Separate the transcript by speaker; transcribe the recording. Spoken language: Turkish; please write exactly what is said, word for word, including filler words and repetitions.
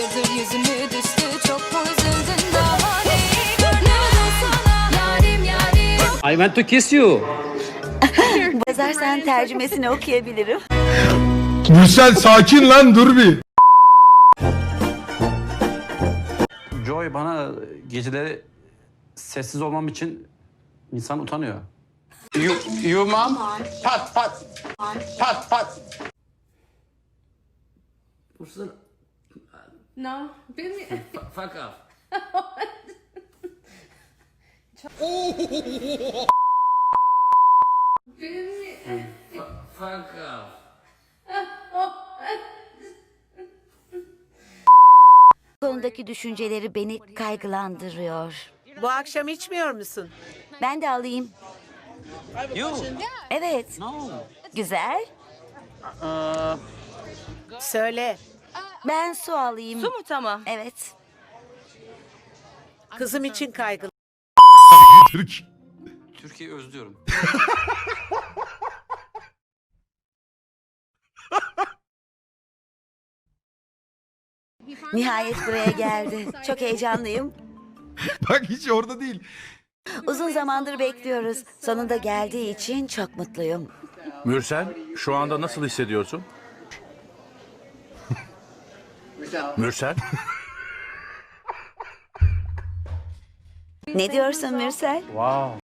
Speaker 1: hayırdır yüzünü düştü, çok mu üzüldün daha neyi görmüyorum sana yarim yarim.
Speaker 2: I want to kiss you.
Speaker 3: Yazarsan tercümesini okuyabilirim.
Speaker 4: Mürsel sakin lan, dur bir.
Speaker 2: Joy bana geceleri sessiz olmam için insan utanıyor. You, you mom? Pat pat. Pat pat.
Speaker 5: No, bilmiyorum.
Speaker 2: Fuck off.
Speaker 5: Bilmiyorum.
Speaker 2: Fuck off.
Speaker 3: Bu konudaki düşünceleri beni kaygılandırıyor.
Speaker 6: Bu akşam içmiyor musun?
Speaker 3: Ben de alayım.
Speaker 2: You?
Speaker 3: Evet.
Speaker 2: No.
Speaker 3: Güzel.
Speaker 6: Söyle.
Speaker 3: Ben su alayım.
Speaker 5: Su mu tamam?
Speaker 3: Evet.
Speaker 6: Kızım için kaygılı.
Speaker 4: Türk.
Speaker 2: Türkiye'yi özlüyorum.
Speaker 3: Nihayet buraya geldi. Çok heyecanlıyım.
Speaker 4: Bak hiç orada değil.
Speaker 3: Uzun zamandır bekliyoruz. Sonunda geldiği için çok mutluyum.
Speaker 7: Mürsel, şu anda nasıl hissediyorsun? Mürsel,
Speaker 3: Ne diyorsun Mürsel?
Speaker 2: Wow.